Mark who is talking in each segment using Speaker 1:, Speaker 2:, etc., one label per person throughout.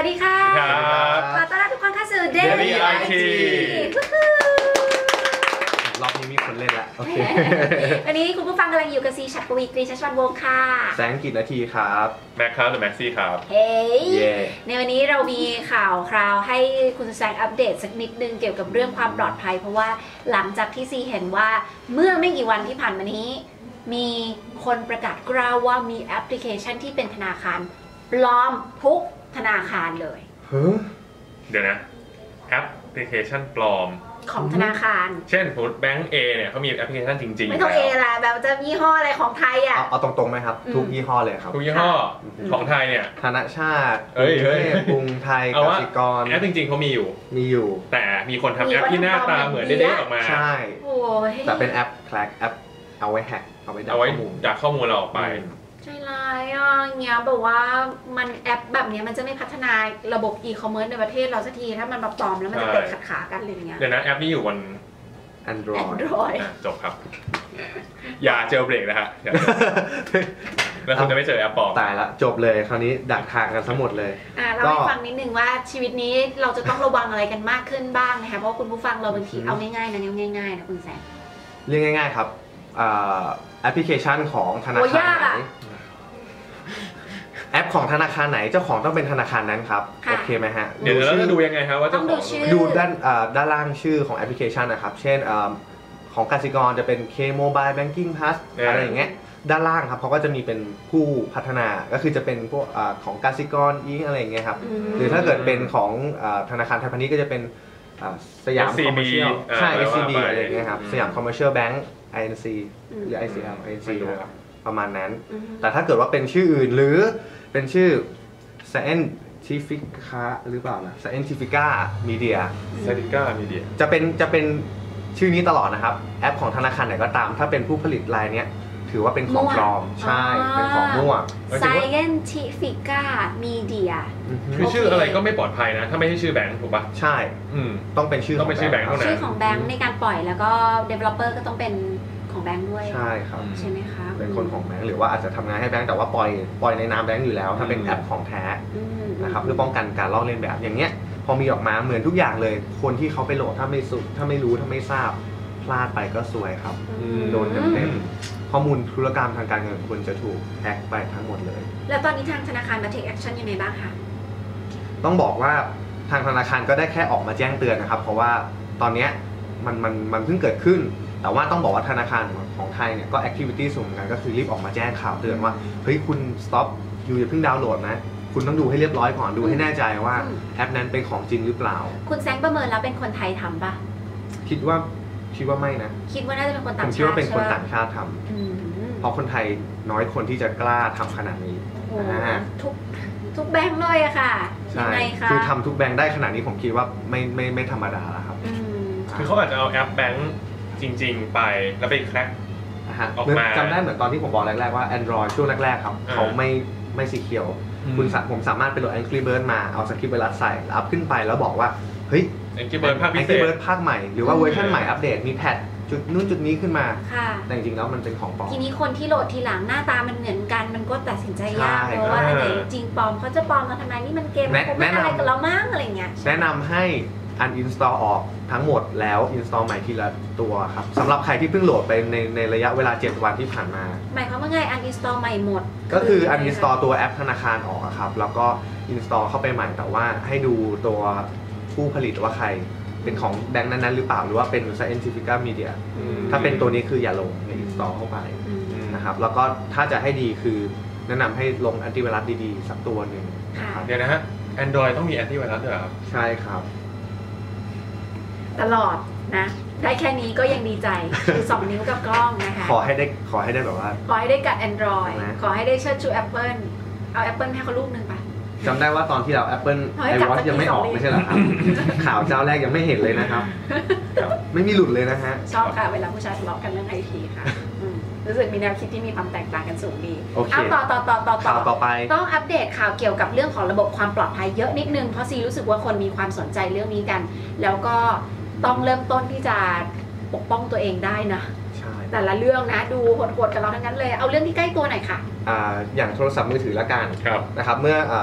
Speaker 1: วัสดีค่ะขอต้อนรับทุกคนเข้าสู่ Daily IT
Speaker 2: รอบนี้มีคนเล่นแล้วโอเค
Speaker 1: วันนี้คุณผู้ฟังกำลังอยู่กับซีชัดปวีกรีชัชวันวงศ์ค่ะ
Speaker 2: แสงกิจนาทีครับ
Speaker 3: แม็กครับหรือแม็กซี่ครับ
Speaker 1: เฮ้ยในวันนี้เรามีข่าวคราวให้คุณแสงอัปเดตสักนิดนึงเกี่ยวกับเรื่องความปลอดภัยเพราะว่าหลังจากที่ซีเห็นว่าเมื่อไม่กี่วันที่ผ่านมานี้มีคนประกาศกล้าวว่ามีแอปพลิเคชันที่เป็นธนาคารปลอมทุกธนาคารเลย
Speaker 3: เดี๋ยวนะแอปพลิเคชันปลอม
Speaker 1: ของธนาคาร
Speaker 3: เช่นสมมติแบงก์ A เนี่ยเขามีแอปพลิเคชันจริงๆ
Speaker 1: ไม่ต้อง A ละแบบจะยี่ห้ออะไรของไทยอ่ะ
Speaker 2: เอาตรงๆไหมครับทุกยี่ห้อเลยครับ
Speaker 3: ทุกยี่ห้อของไทยเนี่ย
Speaker 2: ธนาชาติกรุงไทยกสิกร
Speaker 3: แอปจริงๆเขามีอยู่แต่มีคนทำแอปที่หน้าตาเหมือนเด้ๆออกมา
Speaker 2: ใช่แต่เป็นแอปแคลกแอปเอาไว้แฮกเอาไว้
Speaker 3: ดักข้อมูลเราออกไป
Speaker 1: ใจร้ายอ่ะเงี้ยแบบว่ามันแอปแบบนี้มันจะไม่พัฒนาระบบอีคอมเมิร์ซในประเทศเราสักทีถ้ามันมาปลอมแล้วมันจะเตะขัดขากันเลยเงี้ย
Speaker 3: เดี๋ยวนะแอปนี้อยู่บน
Speaker 2: Android
Speaker 3: จบครับอย่าเจอเบรกนะฮะแล้วคุณจะไม่เจอแอปปลอม
Speaker 2: ตายละจบเลยคราวนี้ดักทางกันทั้งหมดเลย
Speaker 1: เราให้ฟังนิดนึงว่าชีวิตนี้เราจะต้องระวังอะไรกันมากขึ้นบ้างนะคะเพราะคุณผู้ฟังเราบางทีเอาง่ายๆนะง่ายๆนะคุณแซม
Speaker 2: เรียกง่ายๆครับแอปพลิเคชันของธนาคารไหนแอปของธนาคารไหนเจ้าของต้องเป็นธนาคารนั้นครับโอเคไหมฮะ
Speaker 3: เดี๋ยวเราจะดูยังไงครับว่าเจ้าของ
Speaker 2: ดูด้านล่างชื่อของแอปพลิเคชันนะครับเช่นของกสิกรจะเป็น K Mobile Banking Plus อะไรอย่างเงี้ยด้านล่างครับเขาก็จะมีเป็นผู้พัฒนาก็คือจะเป็นพวกของกสิกรอิงอะไรอย่างเงี้ยครับหรือถ้าเกิดเป็นของธนาคารไทยพาณิชย์ก็จะเป็นสยามคอมเมอร์เชียลใช่ SCB อะไรอย่างเงี้ยครับสยามคอมเมอร์เชียลแบงก์ INC หรือ ICL INC นะครับประมาณนั้นแต่ถ้าเกิดว่าเป็นชื่ออื่นหรือเป็นชื่อ Scientifica หรือเปล่านะ Scientifica Media จะเป็นชื่อนี้ตลอดนะครับแอปของธนาคารไหนก็ตามถ้าเป็นผู้ผลิตรายนี้ถือว่าเป็นของปลอมใช่เป็นของมั่ว
Speaker 1: Scientifica Media
Speaker 3: คือชื่ออะไรก็ไม่ปลอดภัยนะถ้าไม่ใช่ชื่อแบงค์ถูกป่ะ
Speaker 2: ใช่ต้องเป็นชื่อ
Speaker 3: แบงค์เท่านั้น
Speaker 1: ชื่อของแบงค์ในการปล่อยแล้วก็ developer ก็ต้องเป็นของแบงค์ด้วย
Speaker 2: ใช่ครับ
Speaker 1: ใช่ไหมคะ
Speaker 2: เป็นคนของแบงค์หรือว่าอาจจะทำงานให้แบงค์แต่ว่าปล่อยในนามแบงค์อยู่แล้วถ้าเป็นแอปของแท้นะครับเพื่อป้องกันการลอกเลียนแบบอย่างเงี้ยพอมีออกมาเหมือนทุกอย่างเลยคนที่เขาไปโหลดถ้าไม่รู้ถ้าไม่ทราบพลาดไปก็ซวยครับโดนเต็มข้อมูลธุรกรรมทางการเงินคุณจะถูกแฮกไปทั้งหมดเลย
Speaker 1: แล้วตอนนี้ทางธนาคารมา take action ยังไงบ้างคะ
Speaker 2: ต้องบอกว่าทางธนาคารก็ได้แค่ออกมาแจ้งเตือนนะครับเพราะว่าตอนนี้มันเพิ่งเกิดขึ้นแต่ว่าต้องบอกว่าธนาคารของไทยเนี่ยก็ activity สูงเหมือนกันก็คือรีบออกมาแจ้งข่าวเตือนว่าเฮ้ยคุณ stop อยู่อย่าเพิ่งดาวน์โหลดนะคุณต้องดูให้เรียบร้อยก่อนดูให้แน่ใจว่าแอปนั้นเป็นของจริงหรือเปล่า
Speaker 1: คุณแซงประเมินแล้วเป็นคนไทยทำปะ
Speaker 2: คิดว่าไม่นะ
Speaker 1: คิดว่าน่าจะเป็นคนต่างชาติ
Speaker 2: ผมคิดว่าเป็นคนต่างชาติทำเพราะคนไทยน้อยคนที่จะกล้าทำขนาดนี้
Speaker 1: ทุกแบงค์เลยอะค่ะ
Speaker 2: ยังไงคะคือทำทุกแบงค์ได้ขนาดนี้ผมคิดว่าไม่ธรรมดาแล้วครับ
Speaker 3: คือเขาอาจจะเอาแอปแบงค์จริงๆไปแล้วไปแคร็กออกมา
Speaker 2: จำได้เหมือนตอนที่ผมบอกแรกๆว่า Android ช่วงแรกๆครับเขาไม่สีเขียวผมสามารถไปโหลด Angry Bird มาเอาสคริปต์ไวรัสใส่อัพขึ้นไปแล้วบอกว่าเฮ้ย
Speaker 3: Angry Bird ภาคพิเศษ
Speaker 2: ภาคใหม่หรือว่าเวอร์ชันใหม่อัปเดตมีแพทจุดนู้นจุดนี้ขึ้นมาแต่จริงๆแล้วมันเป็นของปลอม
Speaker 1: ทีนี้คนที่โหลดทีหลังหน้าตามันเหมือนกันมันก็ตัดสินใจยากเพราะว่าอะไรจริงปลอมเขาจะปลอมมาทำไมนี่มันเกมมันไม่อะไรกับเรามั้งอะไรเงี้ย
Speaker 2: แนะนำให้uninstall ออกทั้งหมดแล้ว install ใหม่ทีละตัวครับสำหรับใครที่เพิ่งโหลดไปในระยะเวลา7วันที่ผ่านมา
Speaker 1: หมายความว่าไง uninstall ใหม่หมด
Speaker 2: ก็คือ uninstall ตัวแอปธนาคารออกครับแล้วก็ install เข้าไปใหม่แต่ว่าให้ดูตัวผู้ผลิตว่าใครเป็นของแบงค์นั้นๆหรือเปล่าหรือว่าเป็น Scientifica Media ถ้าเป็นตัวนี้คืออย่าลงอย่า install เข้าไปนะครับแล้วก็ถ้าจะให้ดีคือแนะนำให้ลงแอนตี้ไวรัสดีๆสักตัวหนึ่ง
Speaker 3: เดี๋ยวนะฮะ Android ต้องมีแอนตี้ไวรัสด้วยครับ
Speaker 2: ใช่ครับ
Speaker 1: ตลอดนะได้แค่นี้ก็ยังดีใจคือ2 นิ้วกับกล้องนะคะ
Speaker 2: ขอให้ได้แบบว่า
Speaker 1: ขอให้ได้กับ Android ขอให้ได้เชิดชู Apple เอา Apple ให้เขาลูกนึงไป
Speaker 2: จำได้ว่าตอนที่เรา Apple iWatch ยังไม่ออกไม่ใช่เหรอครับข่าวเจ้าแรกยังไม่เห็นเลยนะครับไม่มีหลุดเลยนะฮะ
Speaker 1: ชอบค่ะเวลาผู้ชายทะเลาะกันเรื่องไอทีค่ะรู้สึกมีแนวคิดที่มีความแตกต่างกันสูงดีเอา
Speaker 2: ต่อไป
Speaker 1: ต้องอัปเดตข่าวเกี่ยวกับเรื่องของระบบความปลอดภัยเยอะนิดนึงเพราะซีรู้สึกว่าคนมีความสนใจเรื่องนี้กันแล้วก็ต้องเริ่มต้นที่จะปกป้องตัวเองได้นะแต่ละเรื่องนะดูโหดๆกับเราทั้งนั้นเลยเอาเรื่องที่ใกล้ตัวหน่อยค่ะ
Speaker 2: อย่างโทรศัพท์มือถือละกันนะครับเมื่อ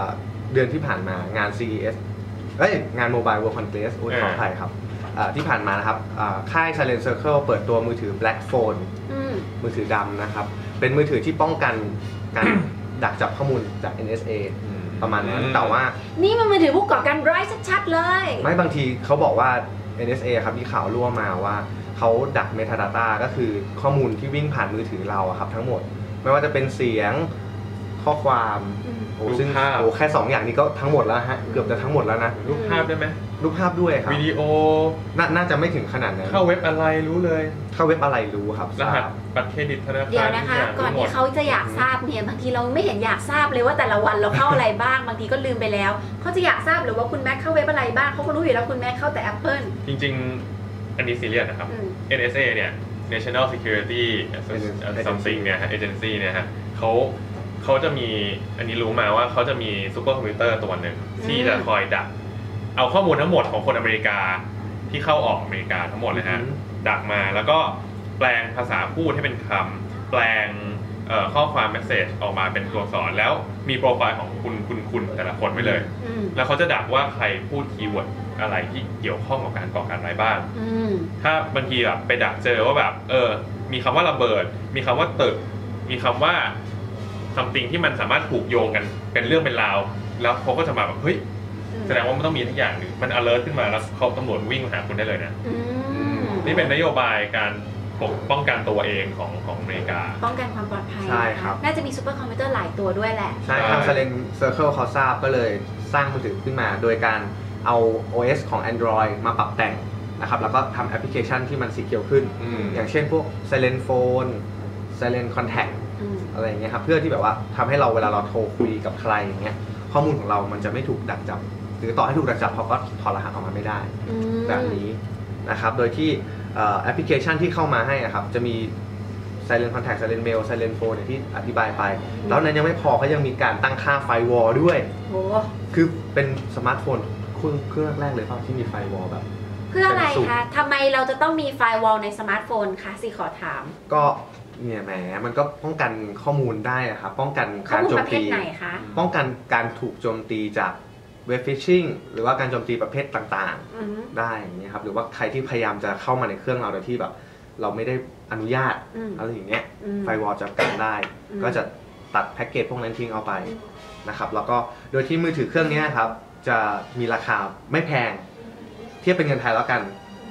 Speaker 2: เดือนที่ผ่านมางาน CES งาน Mobile World Congress ขออภัยครับที่ผ่านมานะครับค่าย Silent Circle เปิดตัวมือถือ Black Phone มือถือดำนะครับเป็นมือถือที่ป้องกันการดักจับข้อมูลจาก NSA ประมาณนั้นแต่ว่า
Speaker 1: นี่มันมือถือผู้ก่อการร้ายชัดๆเลย
Speaker 2: ไม่บางทีเขาบอกว่า NSA ครับที่ข่าวรั่วมาว่าเขาดัก Metadata ก็คือข้อมูลที่วิ่งผ่านมือถือเราครับทั้งหมดไม่ว่าจะเป็นเสียงข้อความซึ่งแค่2อย่างนี้ก็ทั้งหมดแล้วฮะเกือบจะทั้งหมดแล้วนะ
Speaker 3: รูปภาพได้ไหม
Speaker 2: รูปภาพด้วยครับ
Speaker 3: วิดีโอ
Speaker 2: น่าจะไม่ถึงขนาดนั้น
Speaker 3: เข้าเว็บอะไรรู้เลย
Speaker 2: เข้าเว็บอะไรรู้ครับ
Speaker 3: รหัสบัตรเครดิตธนาคาร
Speaker 1: เดี๋ยวนะคะก่อนที่เขาจะอยากทราบเนี่ยบางทีเราไม่เห็นอยากทราบเลยว่าแต่ละวันเราเข้าอะไรบ้างบางทีก็ลืมไปแล้วเขาจะอยากทราบหรือว่าคุณแม็กเข้าเว็บอะไรบ้างเขาก็รู้อยู่แล้วคุณแม็กเข้าแต่ Apple
Speaker 3: จริงๆอันนี้ซีเรียสนะครับ NSA เนี่ย National Security Something เนี่ยฮะ Agency เนี่ยฮะเขาจะมีอันนี้รู้มาว่าเขาจะมีซูเปอร์คอมพิวเตอร์ตัวหนึ่งที่จะคอยดักเอาข้อมูลทั้งหมดของคนอเมริกาที่เข้าออกอเมริกาทั้งหมดเลยฮะดักมาแล้วก็แปลงภาษาพูดให้เป็นคำแปลงข้อความเมสเซจออกมาเป็นตัวอักษรแล้วมีโปรไฟล์ของคุณแต่ละคนไว้เลยแล้วเขาจะดักว่าใครพูดคีย์เวิร์ดอะไรที่เกี่ยวข้องกับการก่อการร้ายบ้างถ้าบางทีแบบไปดักเจอว่าแบบมีคำว่าระเบิดมีคำว่าตึกมีคำว่าsomething ที่มันสามารถผูกโยงกันเป็นเรื่องเป็นราวแล้วเขาก็จะมาแบบเฮ้ยแสดงว่ามันต้องมีทุกอย่างหนึ่งมัน alert ขึ้นมาแล้วเขาตำรวจวิ่งมาหาคุณได้เลยนะนี่เป็นนโยบายการป้องกันตัวเองของอเมริกา
Speaker 1: ป้องกันความปลอดภัย
Speaker 2: ใช่ครับ
Speaker 1: น่าจะมีซูเปอร์คอมพิวเตอร์หลายตัวด้วยแหละ
Speaker 2: ใช่ทาง Silent Circle เขาทราบก็เลยสร้างมือถือขึ้นมาโดยการเอา OS ของ Android มาปรับแต่งนะครับแล้วก็ทำแอปพลิเคชันที่มันสีเขียวขึ้นอย่างเช่นพวก Silent Phone Silent Contactอะไรอย่างเงี้ยครับเพื่อที่แบบว่าทำให้เราเวลาเราโทรคุยกับใครอย่างเงี้ยข้อมูลของเรามันจะไม่ถูกดักจับหรือต่อให้ถูกดักจับเขาก็ถอดรหัสออกมาไม่ได้แบบนี้นะครับโดยที่แอปพลิเคชันที่เข้ามาให้ครับจะมี Silent Contact Silent Mail Silent Phone ที่อธิบายไปแล้วนั้นยังไม่พอเขายังมีการตั้งค่า Firewall ด้วยคือเป็นสมาร์ทโฟนเครื่องแรกเลยที่มี Firewall แบบ
Speaker 1: เพื่ออะไรคะทำไมเราจะต้องมี Firewall ในสมาร์ทโฟนคะสิขอถาม
Speaker 2: ก็เนี่ยแหมมันก็ป้องกันข้อมูลได้ครับป้องกันการโจมตีป้องกันการถูกโจมตีจากเว็บฟิชชิงหรือว่าการโจมตีประเภทต่างๆได้อย่างเงี้ยครับหรือว่าใครที่พยายามจะเข้ามาในเครื่องเราโดยที่แบบเราไม่ได้อนุญาตอะไรอย่างเงี้ยไฟวอลจะกันได้ก็จะตัดแพ็กเกจพวกนั้นทิ้งเอาไปนะครับแล้วก็โดยที่มือถือเครื่องนี้ครับจะมีราคาไม่แพงเทียบเป็นเงินไทยแล้วกัน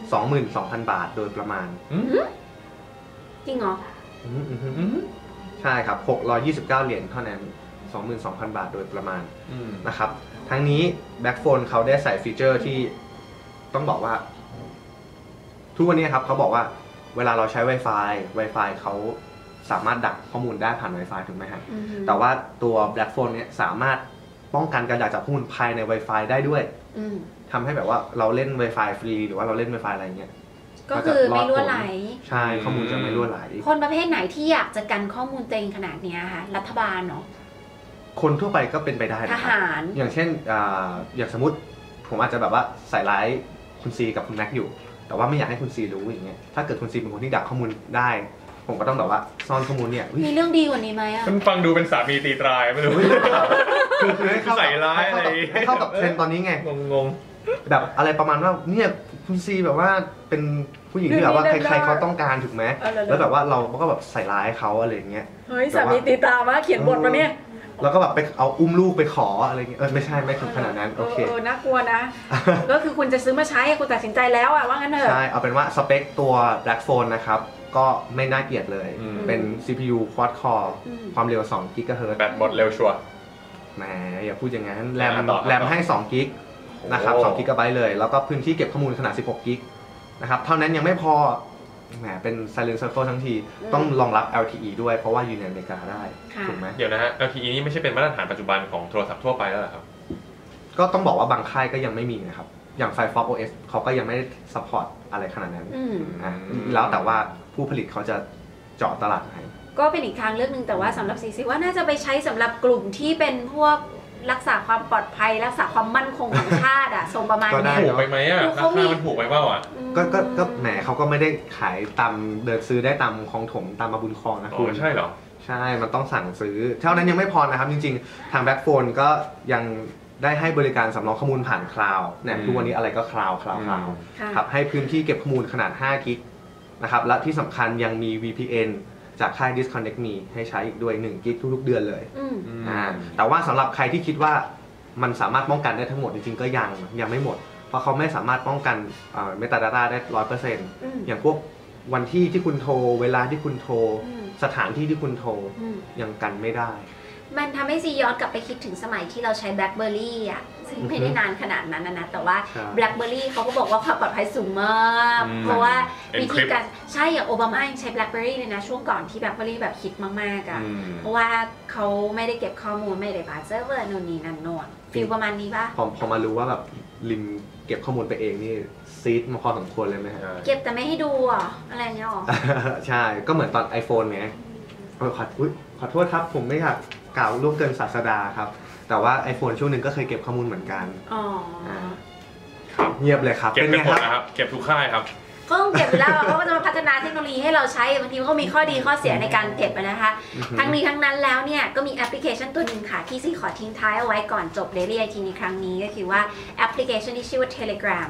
Speaker 2: 22,000 บาทโดยประมาณ
Speaker 1: จริงเหรอ
Speaker 2: ใช่ครับ629เหรียญเท่านั้น 22,000 บาทโดยประมาณนะครับทั้งนี้ Backphone เขาได้ใส่ฟีเจอร์ที่ต้องบอกว่าทุกวันนี้ครับเขาบอกว่าเวลาเราใช้ Wi-Fi เขาสามารถดักข้อมูลได้ผ่าน Wi-Fi ถูกไหมครับแต่ว่าตัว Backphone เนี่ยสามารถป้องกันการดักจับข้อมูลภายใน Wi-Fi ได้ด้วยทำให้แบบว่าเราเล่น Wi-Fi ฟรีหรือว่าเราเล่น Wi-Fi อะไรเงี้ย
Speaker 1: ก็คือไม่รั่วไหล
Speaker 2: ใช่ข้อมูลจะไม่รั่วไหล
Speaker 1: คนประเภทไหนที่อยากจะกันข้อมูลตัวเองขนาดนี้คะรัฐบาลเนาะ
Speaker 2: คนทั่วไปก็เป็นไปได้
Speaker 1: ทหาร
Speaker 2: อย่างเช่นอย่างสมมติผมอาจจะแบบว่าใส่ร้ายคุณซีกับคุณแม็กอยู่แต่ว่าไม่อยากให้คุณซีรู้อย่างเงี้ยถ้าเกิดคุณซีเป็นคนที่ดักข้อมูลได้ผมก็ต้องแบบว่าซ่อนข้อมูลเนี่ย
Speaker 1: มีเรื่องดีกว่านี้ไหมอ่ะ
Speaker 3: มันฟังดูเป็นสามีตีตรายไม่รู้
Speaker 2: คือให้เข้า
Speaker 3: ใส่ร้ายอะไร
Speaker 2: ให้เข้ากับเทรนด์ตอนนี้ไง
Speaker 3: งง
Speaker 2: แบบอะไรประมาณว่าเนี่ยคุณซีแบบว่าเป็นผู้หญิงที่แบบว่าใครๆเขาต้องการถูกไหมแล้วแบบว่าเราก็แบบใส่ร้ายเขาอะไรอย่างเงี้ย
Speaker 1: เฮ้ยสามีตีตามาเขียนบทมาเนี่ย
Speaker 2: แล้วก็แบบไปเอาอุ้มลูกไปขออะไรเงี้ยไม่ใช่ไม่ถึงขนาดนั้นโอเค
Speaker 1: น่ากลัวนะก็คือคุณจะซื้อมาใช้คุณตัดสินใจแล้วอะว่างั้นเถอะ
Speaker 2: ใช่เอาเป็นว่าสเปคตัว Black Phone นะครับก็ไม่น่าเกลียดเลยเป็น CPU Quad Core ความเร็ว2 GHz
Speaker 3: แบตหมดเร็วชัวร์
Speaker 2: แหมอย่าพูดอย่างนั้นแรมให้2 GB นะครับ2 GB เลยแล้วก็พื้นที่เก็บข้อมูลขนาด16 GB นะครับเท่านั้นยังไม่พอแหมเป็น Silent Circle ทั้งทีต้องรองรับ LTE ด้วยเพราะว่าอยู่ในอเมริกาได้ถูกไหม
Speaker 3: เดี๋ยวนะฮะ LTE นี่ไม่ใช่เป็นมาตรฐานปัจจุบันของโทรศัพท์ทั่วไปแล้วเหรอครับ
Speaker 2: ก็ต้องบอกว่าบางค่ายก็ยังไม่มีนะครับอย่าง Firefox OS เขาก็ยังไม่ได้ support อะไรขนาดนั้นแล้วแต่ว่าผู้ผลิตเขาจะเจาะตลาดไหน
Speaker 1: ก็เป็นอีกทางเลือกนึงแต่ว่าสำหรับซีซีว่าน่าจะไปใช้สำหรับกลุ่มที่เป็นพวกรักษาความปลอดภัยรักษาความมั่นคงของชาติอะทรงประมาณนี้
Speaker 3: ถูกไปไหมอะราคามันถูกไปเปล่าอะ
Speaker 2: ก็แหมเขาก็ไม่ได้ขายตามเดินซื้อได้ตามคลองถมตามมาบุญคลองนะคุณ
Speaker 3: ใช่เหรอ
Speaker 2: ใช่มันต้องสั่งซื้อเท่านั้นยังไม่พอนะครับจริงๆทาง Backphone ก็ยังได้ให้บริการสำรองข้อมูลผ่านคลาวด์เนี่ยทุกวันนี้อะไรก็คลาวด์ครับให้พื้นที่เก็บข้อมูลขนาด5กิกนะครับและที่สำคัญยังมี VPN จากค่าย Disconnect Me ให้ใช้อีกด้วย1กิกทุกๆเดือนเลยแต่ว่าสำหรับใครที่คิดว่ามันสามารถป้องกันได้ทั้งหมดจริงๆก็ยังไม่หมดเพราะเขาไม่สามารถป้องกันMetadata ได้ 100% อย่างพวกวันที่คุณโทรเวลาที่คุณโทรสถานที่ที่คุณโทรยังกันไม่ได้
Speaker 1: มันทำให้ซีย้อนกลับไปคิดถึงสมัยที่เราใช้ BlackBerry อ่ะซึ่งไม่ได้นานขนาดนั้นนะแต่ว่า BlackBerry เขาก็บอกว่าความปลอดภัยสูงมากเพราะว่าวิธีการใช่อย่างโอบามายังใช้ BlackBerry เลยนะช่วงก่อนที่ BlackBerry แบบฮิตมากๆอ่ะเพราะว่าเขาไม่ได้เก็บข้อมูลไม่ได้ผ่านเซิร์ฟเวอร์โน่นนี่นั่นโน่นฟีลประมาณนี้ป่ะ
Speaker 2: พอมารู้ว่าแบบลิมเก็บข้อมูลไปเองนี่ซีดมาพอสมควรเลยไหมฮะ
Speaker 1: เก็บแต่ไม่ให้ดูอ่ะอะไรเงี้ยหรอ
Speaker 2: ใช่ก็เหมือนตอน iPhone ไงขอโทษครับผมไม่อยากกล่าวล่วงเกินศาสดาครับแต่ว่า iPhone ช่วงหนึ่งก็เคยเก็บข้อมูลเหมือนกัน
Speaker 3: ครับ
Speaker 2: เงียบเลยครับ
Speaker 3: เก็บไปหมดนะครับเก็บทุกค่ายครับ
Speaker 1: ก็ต้องเก็บอยู่แล้วเขาก็จะมาพัฒนาเทคโนโลยีให้เราใช้บางทีมันก็มีข้อดีข้อเสียในการเก็บนะคะทั้งนี้ทั้งนั้นแล้วเนี่ยก็มีแอปพลิเคชันตัวหนึ่งค่ะที่ซีขอทิ้งท้ายเอาไว้ก่อนจบ Daily IT ในครั้งนี้ก็คือว่าแอปพลิเคชันที่ชื่อว่า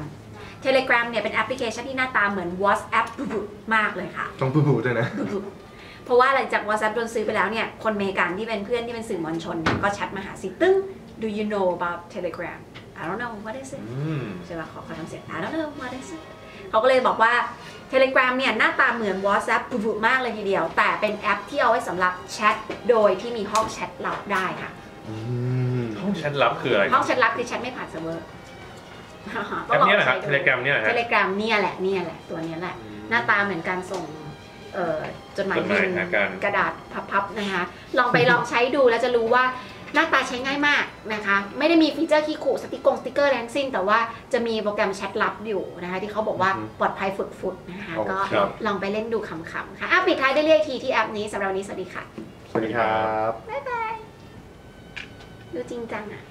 Speaker 1: Telegram เนี่ยเป็นแอปพลิเคชันที่หน้าตาเหมือน WhatsApp มากเลยค่ะ
Speaker 2: ต้องปุ๊บด้วยนะ
Speaker 1: เพราะว่าหลังจาก WhatsApp โดนซื้อไปแล้วเนี่ยคนอเมริกันที่เป็นเพื่อนที่เป็นสื่อมวลชนเนี่ยก็แชทมาหาซีตึ้ง Do you know about Telegram I don't know what is it ใช่ป่ะขอทำเสียง I don't know what is it เขาก็เลยบอกว่า Telegram เนี่ยหน้าตาเหมือน WhatsApp ปุ๊บมากเลยทีเดียวแต่เป็นแอปที่เอาไว้สำหรับแชทโดยที่มีห้องแชทลับได้ค่ะ
Speaker 3: ห้องแชทลับคืออะไร
Speaker 1: ห้องแชทลับคือแชทไม่ผ่านเซิร์ฟเวอร์
Speaker 3: แอปนี้แหละครับ Telegram เนี่ยแหละ
Speaker 1: Telegram เนี่ยแหละตัวนี้แหละหน้าตาเหมือนการส่งจดหมายบินกระดาษพับๆนะคะลองใช้ดูแล้วจะรู้ว่าหน้าตาใช้ง่ายมากนะคะไม่ได้มีฟีเจอร์ขี้ขู่สติ๊กเกอร์แรงสิ้นแต่ว่าจะมีโปรแกรมแชทลับอยู่นะคะที่เขาบอกว่าปลอดภัยฟุดๆนะคะก็ลองไปเล่นดูขำๆค่ะปิดท้ายได้เรียกทีที่แอปนี้สำหรับวันนี้สวัสดีค่ะ
Speaker 2: สวัสดีครับ
Speaker 1: บ๊ายบายดูจริงจังอ่ะ